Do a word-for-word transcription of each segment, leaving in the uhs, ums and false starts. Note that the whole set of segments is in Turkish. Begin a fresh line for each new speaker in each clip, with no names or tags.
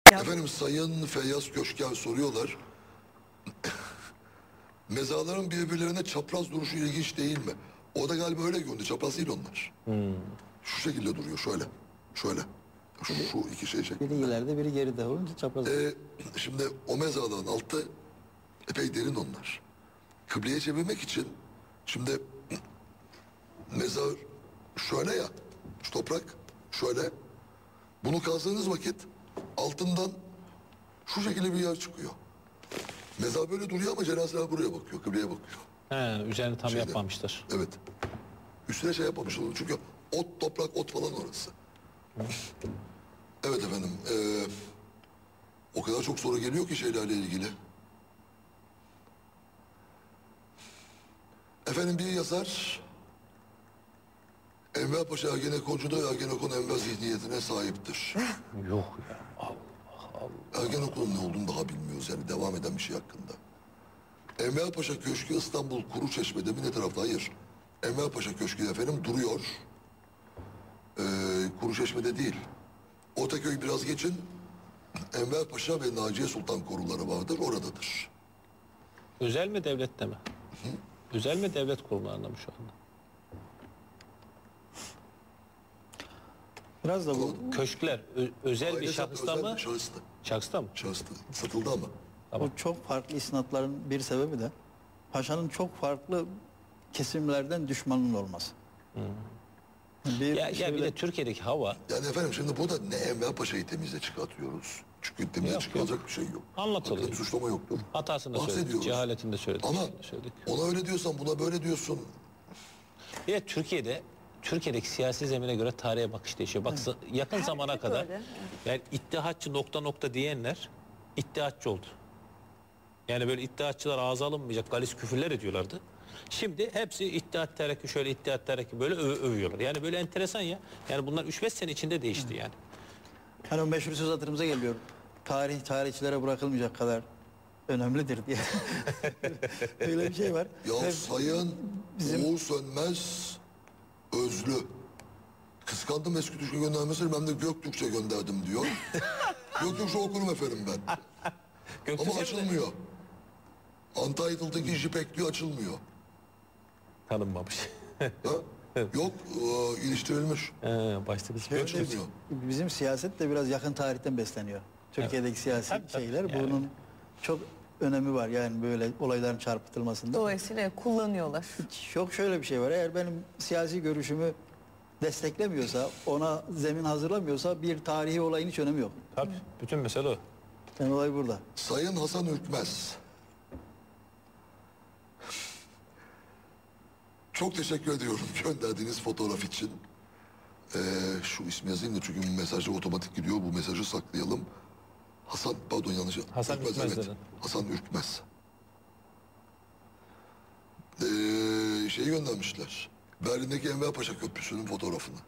Ya,
Efendim Sayın Feyyaz Köşker soruyorlar. Mezarların birbirlerine çapraz duruşu ilginç değil mi? O da galiba öyle göründü. Çapraz değil onlar.
Hmm.
Şu şekilde duruyor şöyle. Şöyle. Şu, şu iki şey şeklinde.
Biri ileride biri geride olunca çapraz.
Ee, şimdi o mezarların altı epey derin onlar. Kıbleye çevirmek için şimdi mezar şöyle ya, şu toprak şöyle. Bunu kazdığınız vakit altından şu şekilde bir yer çıkıyor. Mezar böyle duruyor ama cenazeler buraya bakıyor, kıbleye bakıyor.
He, üzerine tam
Şeyde.
yapmamışlar.
Evet. Üstüne şey yapmamışlar çünkü ot, toprak, ot falan orası. Evet efendim. Ee, o kadar çok soru geliyor ki şeylerle ilgili. Efendim bir yazar Enver Paşa Ergenekoncu'da Ergenekon Enver zihniyetine sahiptir.
Yok ya. Allah Allah.
Ergenekon'un ne olduğunu daha bilmiyoruz yani devam eden bir şey hakkında. Enver Paşa Köşkü İstanbul Kuruçeşme'de mi ne tarafta? Hayır. Enver Paşa Köşkü efendim duruyor. Ee, Kuruçeşme'de değil. Ortaköy biraz geçin. Enver Paşa ve Naciye Sultan koruları vardır. Oradadır.
Özel mi devlette mi? Hı? Özel mi devlet kurumlarında mı şu anda?
biraz da bu
Köşkler ö- özel bir
Ailesi
şahısta
özel
mı?
bir şahıstı.
Şahısta mı?
Şahıstı. Satıldı ama.
Tamam.
bu çok farklı isnatların bir sebebi de paşanın çok farklı kesimlerden düşmanın olması. Bir
Ya, ya bir
şöyle-
de Türkiye'deki hava
Yani efendim şimdi burada ne Enver Paşa'yı temize çıkartıyoruz. Çünkü temize
Yok,
çıkaracak bir şey yok.
Anlatılıyor.
Hakkında bir suçlama yoktur.
hatasını da söyledik,
Bahsediyoruz.
cehaletini de söyledik.
Ama
şeyini de söyledik.
ona öyle diyorsan buna böyle diyorsun.
Bir de Türkiye'de Türkiye'deki siyasi zemine göre tarihe bakış değişiyor. Bak yakın zamana
Herkes
kadar
öyle.
yani iddiatçı nokta nokta diyenler iddiatçı oldu. Yani böyle iddiatçılar ağza alınmayacak galis küfürler ediyorlardı. Şimdi hepsi iddiat terakki şöyle iddiat terakki böyle öv- övüyorlar. Yani böyle enteresan ya. Yani bunlar üç beş sene içinde değişti yani.
Hani o meşhur söz hatırımıza geliyor. Tarih tarihçilere bırakılmayacak kadar önemlidir diye. Öyle bir şey var.
Ya
Ve
Sayın
bizim-
Uğur Sönmez Özlü. Kıskandım eski Türkçe göndermesini ben de Göktürkçe gönderdim diyor. Göktürkçe okurum efendim ben. Ama
Göktürkçe mi de-
açılmıyor. Untitled'daki jipek diyor açılmıyor.
Tanınmamış.
Ha? Yok e, iliştirilmiş.
He, başta biz
Şöyle-
Açılmıyor.
Bizim siyaset de biraz yakın tarihten besleniyor. Türkiye'deki siyasi
Tabii, tabii.
şeyler
Yani.
bunun çok önemi var yani böyle olayların çarpıtılmasında.
Dolayısıyla kullanıyorlar.
Çok şöyle bir şey var. Eğer benim siyasi görüşümü desteklemiyorsa, ona zemin hazırlamıyorsa bir tarihi olayın hiç önemi yok.
Tabii bütün mesele o.
Yani olay burada.
Sayın Hasan Ürkmez. Çok teşekkür ediyorum gönderdiğiniz fotoğraf için. Ee, şu ismi yazayım da çünkü mesajı otomatik gidiyor. Bu mesajı saklayalım. Hasan, pardon yanlış.
Hasan Ürkmez
evet.
dedin.
Hasan Ürkmez. Ee, şeyi göndermişler. Berlin'deki Enver Paşa Köprüsü'nün fotoğrafını.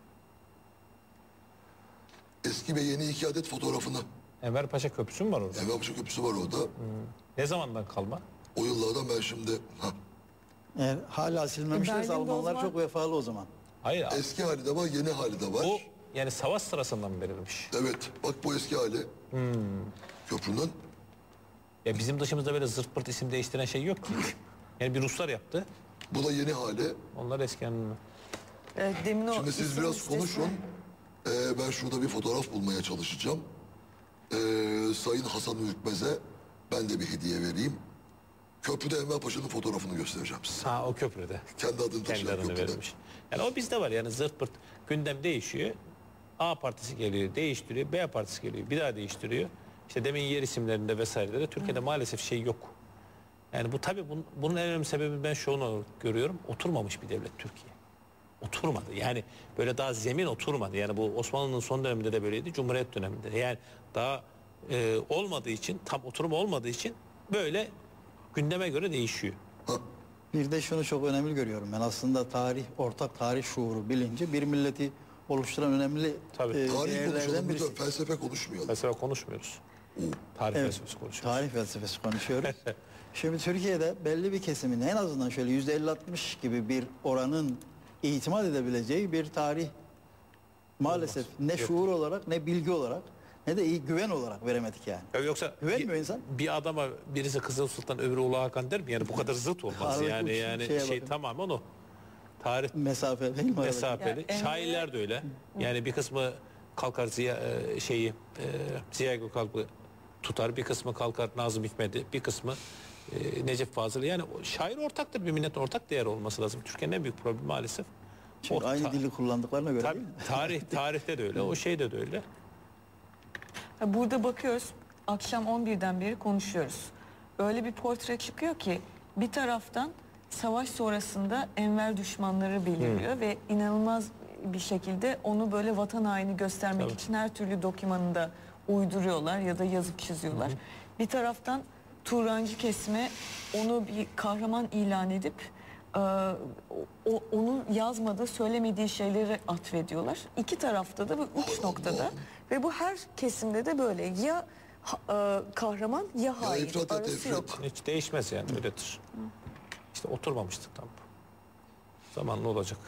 Eski ve yeni iki adet fotoğrafını.
Enver Paşa Köprüsü mü var orada?
Enver Paşa Köprüsü var orada.
Ne zamandan kalma?
O yıllardan ben şimdi... Ha,
Eğer hala silinmemişlerse
E, Berlin'de o
Almanlar
zaman-
çok vefalı o zaman.
Hayır abi.
eski hali de var, yeni hali de var.
Bu yani savaş sırasından mı verilmiş?
Evet, bak bu eski hali. Köprünün.
Ya bizim dışımızda böyle zırt pırt isim değiştiren şey yok ki. Yani bir Ruslar yaptı.
Bu da yeni hali.
Onlar eski anlamı.
Evet, demin o
Şimdi siz
isim
biraz
listesine-
konuşun. Ee, ben şurada bir fotoğraf bulmaya çalışacağım. Ee, Sayın Hasan Ürkmez'e ben de bir hediye vereyim. Köprüde Enver Paşa'nın fotoğrafını göstereceğim size.
Ha o köprüde.
Kendi adını
Kendi
taşıyan
adını
köprüde.
verilmiş. Yani o bizde var yani zırt pırt gündem değişiyor. A partisi geliyor değiştiriyor. B partisi geliyor bir daha değiştiriyor. İşte demin yer isimlerinde vesairede Türkiye'de maalesef şey yok. Yani bu tabii bunun, bunun en önemli sebebi ben şunu görüyorum. Oturmamış bir devlet Türkiye. Oturmadı. Yani böyle daha zemin oturmadı. Yani bu Osmanlı'nın son döneminde de böyleydi. Cumhuriyet döneminde. de. Yani daha e, olmadığı için tam oturum olmadığı için böyle gündeme göre değişiyor.
Ha,
Bir de şunu çok önemli görüyorum ben. Aslında tarih, ortak tarih şuuru, bilinci bir milleti oluşturan önemli
Tabii.
e,
tarih
değerlerden
konuşalım
birisi.
lütfen, felsefe konuşmayalım.
Felsefe konuşmuyoruz. Tarih
Evet,
felsefesi konuşuyoruz.
tarih felsefesi konuşuyoruz. Şimdi Türkiye'de belli bir kesimin en azından şöyle yüzde elli altmış gibi bir oranın itimat edebileceği bir tarih maalesef ne
Yok.
şuur olarak ne bilgi olarak ne de iyi güven olarak veremedik yani.
Ya yoksa
Güvenmiyor
bir,
insan.
bir adama birisi Kızıl Sultan öbürü Ulu Hakan der mi? Yani bu kadar zıt olmaz
Aradaki
yani
uç
yani
şeye
şey
bakın.
tamamen o. Tarih
Mesafe değil mi? aradaki?
mesafeli.
Ya, Emre-
Şairler de öyle. Yani bir kısmı kalkar Ziya e, şeyi e, Ziya Gökalp'ı tutar, bir kısmı kalkar Nazım Hikmet'i, bir kısmı e, Necip Fazıl'ı. Yani o şair ortaktır, bir milletin ortak değer olması lazım. Türkiye'nin en büyük problemi maalesef.
Çünkü
O
aynı
ta-
dili kullandıklarına göre
Tabii,
değil mi?
tarih tarihte de öyle, o şeyde de öyle.
Ha, burada bakıyoruz, akşam on birden beri konuşuyoruz. Öyle bir portre çıkıyor ki bir taraftan savaş sonrasında Enver düşmanları belirliyor ve inanılmaz bir şekilde onu böyle vatan haini göstermek
Tabii.
için her türlü dokümanını da uyduruyorlar ya da yazıp çiziyorlar. Bir taraftan Turancı kesme onu bir kahraman ilan edip e, o, onun yazmadığı, söylemediği şeyleri atfediyorlar. İki tarafta da bu uç noktada ve bu her kesimde de böyle ya ha- e, kahraman ya hain,
ifrat et,
arası
ifrat.
yok.
Hiç değişmez yani, öyledir. İşte oturmamıştık tam. Zamanlı olacak.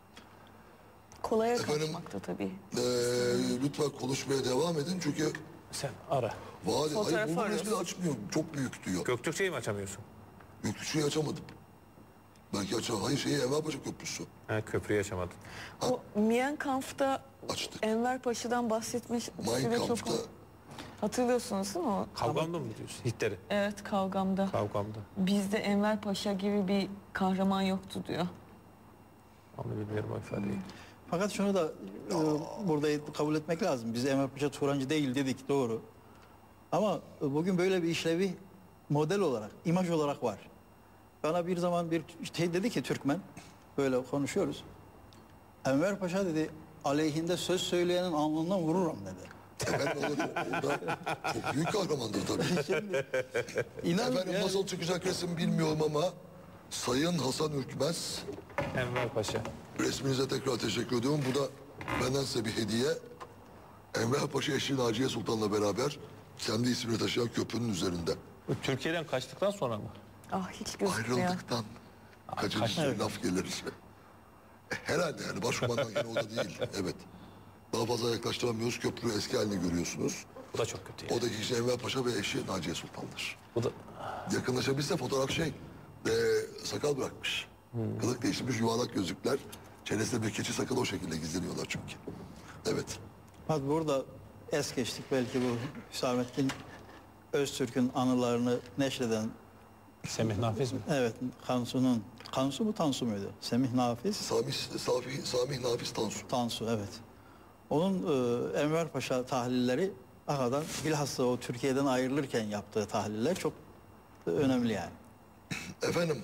Kolaya
Efendim,
kaçmakta tabii.
Ee, lütfen konuşmaya devam edin çünkü
Sen ara.
vade
Fotoğrafı
hayır bu
arıyoruz.
resmi açmıyor. Çok büyük diyor.
Göktürkçeyi mi açamıyorsun?
Göktürkçüyü açamadım. Belki açar. Hayır şeyi Enverpaşa Köprüsü.
Ha, köprüyü açamadın.
O Mein Kampf'ta
Açtık.
Enver Paşa'dan bahsetmiş.
Mein
süre çok-
Kampf'ta
Hatırlıyorsunuz değil mi o?
Kavgamda mı diyorsun? Hitler'i.
Evet, kavgamda.
Kavgamda.
Bizde Enver Paşa gibi bir kahraman yoktu diyor.
Onu bilmiyorum o ifadeyi.
Fakat şunu da e, burada kabul etmek lazım. Biz Enver Paşa Turancı değil dedik, doğru. Ama e, bugün böyle bir işlevi model olarak, imaj olarak var. Bana bir zaman bir şey dedi ki Türkmen, böyle konuşuyoruz. Enver Paşa dedi, aleyhinde söz söyleyenin alnından vururum dedi.
efendim orada, orada çok büyük kahramandır tabii.
İnan
Efendim
yani-
nasıl çıkacak resim bilmiyorum ama Sayın Hasan Ürkmez,
Enver Paşa.
resminize tekrar teşekkür ediyorum. Bu da benden size bir hediye. Enver Paşa eşi Naciye Sultan'la beraber kendi ismini taşıyan köprünün üzerinde.
Bu Türkiye'den kaçtıktan sonra mı?
Ah, hiç gözükmüyor.
Ayrıldıktan kaçıncı
kaç-
laf gelir. Herhalde yani başkumandan gene o da değil. Evet. Daha fazla yaklaştıramıyoruz. Köprü eski halini görüyorsunuz.
Bu da çok kötü. Yani.
Odaki kişi Enver Paşa ve eşi Naciye Sultan'dır.
Bu da
Yakınlaşabilse fotoğraf şey, e, sakal bırakmış. Kılık değiştirmiş, yuvarlak gözlükler. Çenesinde bir keçi sakalı o şekilde gizleniyorlar çünkü. Evet.
Bak burada es geçtik belki bu Hüsamettin Öztürk'ün anılarını neşreden,
Semih Nafiz mi?
evet, Kansu'nun, Kansu mu Tansu muydu? Semih Nafiz,
Sami, Safi, Sami Nafiz Tansu.
Tansu, evet. Onun e, Enver Paşa tahlilleri hakikaten bilhassa o Türkiye'den ayrılırken yaptığı tahliller çok e, önemli yani.
Efendim,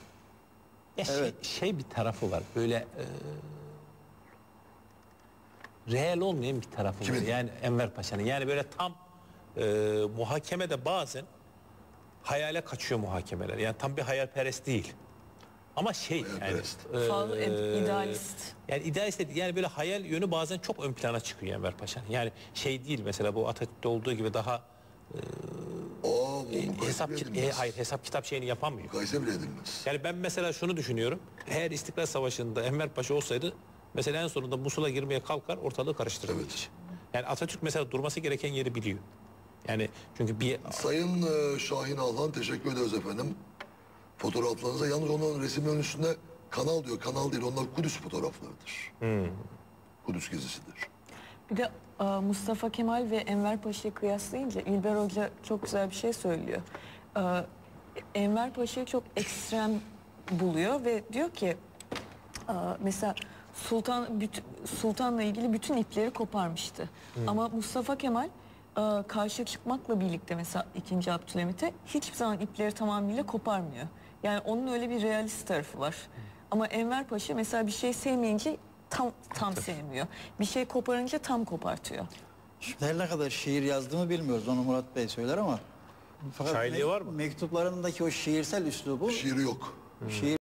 Ya
Evet.
şey, şey bir tarafı var. Böyle e, reel olmayan bir tarafı var.
Kimin?
Yani Enver Paşa'nın. Yani böyle tam e, muhakemede bazen hayale kaçıyor muhakemeler. Yani tam bir hayalperest değil. Ama şey yani
Hayalperest.
e,
Fazla idealist.
Yani idealist değil. Yani böyle hayal yönü bazen çok ön plana çıkıyor Enver Paşa'nın. Yani şey değil mesela bu Atatürk'te olduğu gibi daha
aa bu
e,
mukayese
hesap
bile
ki- e,
edilmez.
hayır hesap kitap şeyini yapamıyor.
Mukayese bile edilmez.
Yani ben mesela şunu düşünüyorum. Eğer İstiklal Savaşı'nda Enver Paşa olsaydı mesela en sonunda Musul'a girmeye kalkar, ortalığı karıştırır.
Evet.
Yani Atatürk mesela durması gereken yeri biliyor. Yani çünkü bir
Sayın e, Şahin Alhan teşekkür ederiz efendim. Fotoğraflarınıza yalnız onun resimlerin üstünde kanal diyor. Kanal değil, onlar Kudüs fotoğraflarıdır. Kudüs gezisidir.
Bir de e, Mustafa Kemal ve Enver Paşa'yı kıyaslayınca İlber Hoca çok güzel bir şey söylüyor. E, Enver Paşa'yı çok ekstrem buluyor ve diyor ki e, mesela Sultan bütün, Sultan'la ilgili bütün ipleri koparmıştı. Ama Mustafa Kemal e, karşı çıkmakla birlikte mesela ikinci Abdülhamit'e hiçbir zaman ipleri tamamıyla koparmıyor. Yani onun öyle bir realist tarafı var. Ama Enver Paşa mesela bir şey sevmeyince tam tam sevmiyor. Bir şey koparınca tam kopartıyor.
Şimdi her ne kadar şiir yazdığımı bilmiyoruz, onu Murat Bey söyler ama fakat
Şairliği
me-
var mı?
mektuplarındaki o şiirsel üslubu
Şiiri yok.
şiir